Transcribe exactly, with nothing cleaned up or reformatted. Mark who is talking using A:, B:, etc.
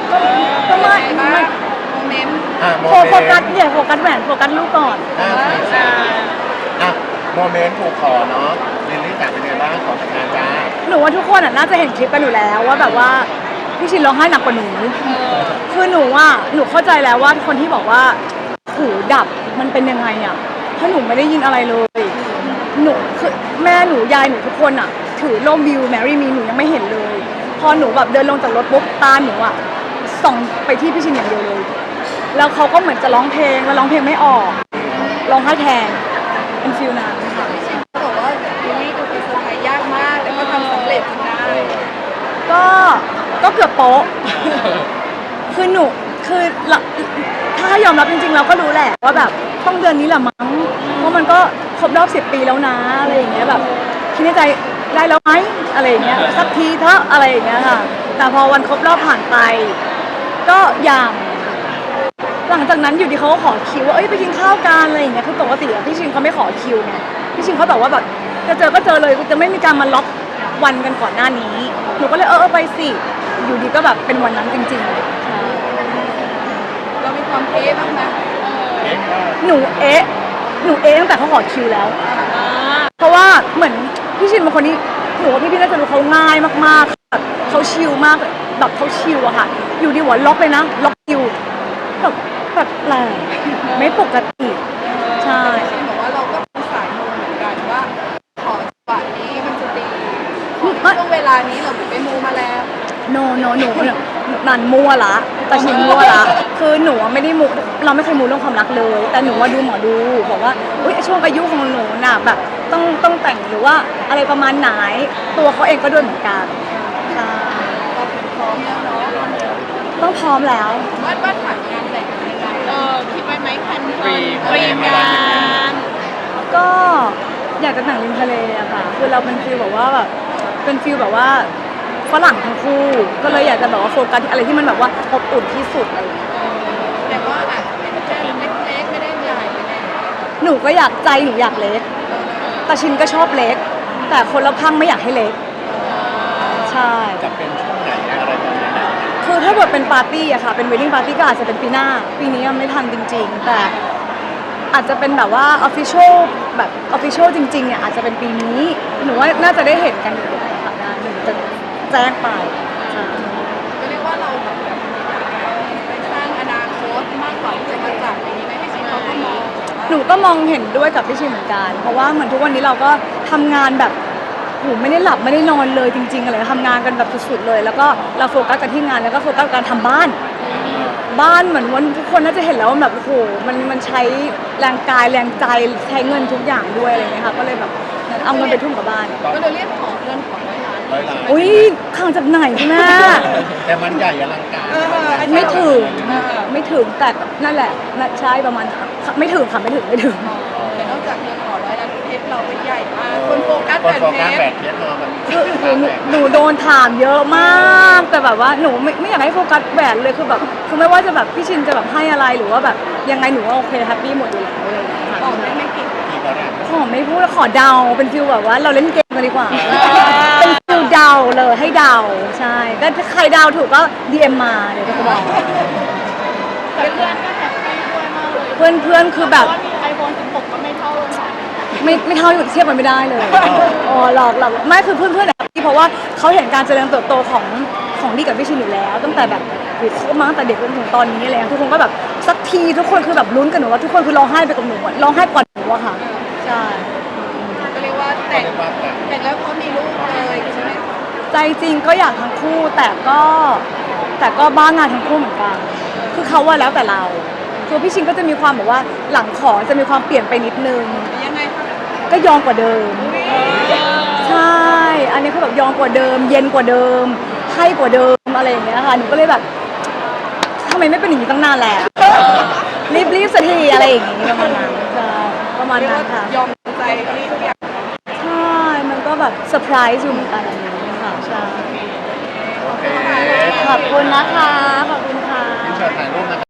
A: ก็ก็ไม่ไม่
B: โมเมนต์
C: อ่ะโม
A: โฟ
C: เมนต์
A: โฟกัสอย่าโฟกัสแหวนโฟกัสลูกก่อน
C: อ่ะอ่ะโมเมนต์ถูกขอเนาะลิลลี่จ๋าเป็นไงบ้างขอแต่งงานจ้า
A: หนูว่าทุกคนอ่ะน่าจะเห็นคลิปกันอยู่แล้วว่าแบบว่าพี่ชินร้องไห้หนักกว่าหนูคือหนูอ่ะหนูเข้าใจแล้วว่าคนที่บอกว่าหูดับมันเป็นยังไงอ่ะเพราะหนูไม่ได้ยินอะไรเลยหนูคือแม่หนูยายหนูทุกคนอ่ะถือร่มวิวแมรี่มีหนูยังไม่เห็นเลยพอหนูแบบเดินลงจากรถปุ๊บตาหนูอ่ะส่องไปที่พี่ชินอย่างเดียวเลยแล้วเขาก็เหมือนจะร้องเพลงแล้วร้องเพลงไม่ออกร้องไห้แทนเป็นฟิลนั้นค่ะ
B: เขาบอกว่าลิลลี่ดูเป็นเซอร์ไพรส์ยากมากแต่ก็ทำสำเร็จจนได้
A: ก็ก็เกือบโป๊ะคือหนูคือถ้ายอมรับจริงๆเราก็รู้แหละว่าแบบต้องเดือนนี้แหละมั้งเพราะมันก็ครบรอบสิบปีแล้วนะอะไรอย่างเงี้ยแบบคิดในใจได้แล้วไหมอะไรอย่างเงี้ยสักทีเถอะอะไรอย่างเงี้ยค่ะแต่พอวันครบรอบผ่านไปก็อย่างหลังจากนั้นอยู่ดีเขาก็ขอคิวว่าเอ้ยไปกินข้าวกันอะไรอย่างเงี้ยคือปกติอะพี่ชินเขาไม่ขอคิวไงพี่ชินเขาแบบว่าแบบจะเจอก็เจอเลยจะไม่มีการมาล็อกวันกันก่อนหน้านี้หนูก็เลยเออเออไปสิอยู่ดีก็แบบเป็นวันนั้นจริงๆ
B: เรามีความเอ๊ะบ้างไหม
A: หนูเอ๊ะหนูเอ๊ะตั้งแต่เขาขอคิวแล้วเพราะว่าเหมือนพี่ชินเป็นคนที่หนูว่าพี่พี่น่าจะรู้เขาง่ายมากๆแบบเขาชิลมากแบบเขาชิลอะค่ะอยู่ดีหัวล็อกเลยนะล็อกคิวแบบแบบแรงไม่ปกติใช่
B: ชินบอกว่าเราก็เป็นสายมูเหมือนกันว่าขอจังหวะนี้มันจะดีขอช่วงเวลานี้เราไปมูมาแล้ว
A: โนโนหนูนันมั่วละแต่ชินมั่วละคือหนูไม่ได้มูเราไม่เคยมูเรื่องความรักเลยแต่หนูว่าดูหมอดูบอกว่าอุ้ยช่วงอายุของหนูน่ะแบบต้องต้องแต่งหรือว่าอะไรประมาณไหนตัวเขาเองก็ด้วยเหมือนกันใช่
B: เราเป็นพร้อมแล้วเนาะ
A: ต้องพร้อมแล้ว
B: วาดวาดผ่านงานแต่งยังไงเออคิดไว้ไหมคันเฟิร์นเตรียมงาน
A: ก็อยากจะแต่งริมทะเลอะค่ะคือเราเป็นฟีลแบบว่าแบบเป็นฟีลแบบว่าฝรั่งทั้งคู่ก็เลยอยากจะแบบว่าโฟกัสอะไรที่มันแบบว่าอบอุ่นที่สุดอะไรอย่างเงี้ย
B: แต่ว่าอาจจะเป็นแค่เล็กๆไม่ได้ใหญ่ไม่ได้
A: หนูก็อยากใจหนูอยากเล็กแต่ชินก็ชอบเล็กแต่คนรอบข้างไม่อยากให้เล็กใช่
C: จะเป็นช่วงไหนอะไรแบบนี้
A: คือถ้าเกิดเป็นปาร์ตี้อะค่ะเป็นเวดดิ้งปาร์ตี้ก็อาจจะเป็นปีหน้าปีนี้ยังไม่ทันจริงๆแต่อาจจะเป็นแบบว่าออฟฟิเชียลแบบออฟฟิเชียลจริงๆเนี่ยอาจจะเป็นปีนี้หนูว่าน่าจะได้เห็นกันอยู่ค่ะงานหนูจะแจ้งไป
B: ก็เรียกว่าเราแบบไปสร้างอนาคตมากกว่าที่จะมาจับอย่างนี้ไหมพี่ชินเขาก็มอง
A: หนูก็มองเห็นด้วยกับพี่ชินเหมือนกันเพราะว่าเหมือนทุกวันนี้เราก็ทำงานแบบโหไม่ได้หลับไม่ได้นอนเลยจริงๆอะไรทำงานกันแบบสุดๆเลยแล้วก็เราโฟกัสกันที่งานแล้วก็โฟกัสการทำบ้านบ้านเหมือนวันทุกคนน่าจะเห็นแล้วว่าแบบโอ้โหมันมันใช้แรงกายแรงใจใช้เงินทุกอย่างด้วยอะไรเงี้ยค่ะก็เลยแบบเอาเงินไปทุ่มกับบ้าน
B: ก็เลยเรียกขอเงินขอร้อยล้าน
C: ร้อยล้าน
A: อุ้ยข้างจากไหนคุณแม่
C: แต่มันใหญ่อลังการ
A: ไม่ถึงไม่ถึงแต่นั่นแหละใช่ประมาณไม่ถึงค่ะไม่ถึงไม่ถึง
B: แต่นอกจากเงินขอร้อยล้านเพชรเราเป็นใหญ่มากคนโฟกัส
C: แบบเพชร
A: คือหนูโดนถามเยอะมากแต่แบบว่าหนูไม่ไม่อยากให้โฟกัสแหวนเลยคือแบบคือไม่ว่าจะแบบพี่ชินจะแบบให้อะไรหรือว่าแบบยังไงหนูว่าโอเคแฮปปี้หมดอยู่แล้วอะไรอย่างเงี้ยค่ะ
B: บอกได้ไม่กี่
A: ขอไม่พูดขอเดาเป็นฟิลแบบว่าเราเล่นเกมกันดีกว่าเป็นฟิลเดาเลยให้เดาใช่ก็ใครเดาถูกก็ ดี เอ็ม มาเดี๋ยวจะบอก
B: เพื่อนก็แฮปปี้ด้วยมากเลย
A: เพื่อนเพื่อนคือแบบ
B: ไอโฟนสิบหกก็ไม่เท่าเลย
A: ไม่ไม่เท่าอยู่เทียบมันไม่ได้เลยอ๋อหลอกหลอกไม่คือเพื่อนเพื่อนแฮปปี้เพราะว่าเขาเห็นการเจริญเติบโตของของดีกับพี่ชินอยู่แล้วตั้งแต่แบบโอ้โหมาตั้งแต่เด็กจนถึงตอนนี้อะไรทุกคนก็แบบสักทีทุกคนคือแบบลุ้นกันหนูว่าทุกคนคือร้องไห้ไปกับหนูร้องไห้ก่อนหนูอะค่ะใช่
B: ก็เรียกว่าแต่งแต่งแล้วเขามีลูกเลยใช่ไหม
A: ใจจริงก็อยากทั้งคู่แต่ก็แต่ก็บ้างานทั้งคู่เหมือนกันคือเขาว่าแล้วแต่เราคือพี่ชินก็จะมีความแบบว่าหลังขอจะมีความเปลี่ยนไปนิดนึง
B: ยังไงคะ
A: ก็ยอมกว่าเดิมใช่อันนี้เขาแบบยอมกว่าเดิมเย็นกว่าเดิมให้กว่าเดิมอะไรอย่างเงี้ยค่ะหนูก็เลยแบบทำไมไม่เป็นอย่างนี้ตั้งนานแล้วรีบรีบสักทีอะไรอย่างงี้ประมาณนั้นใช่ประมาณนั้นค่ะ
B: ยอมใจนี่ทุกอย่าง
A: ใช่มันก็แบบเซอร์ไพรส์อยู่เหมือนกันอย่างนี้ค่ะใช่
C: โอเค
A: ขอบคุณนะคะขอบคุณค่ะ
C: ที่เชิญถ่ายรูปนะคะ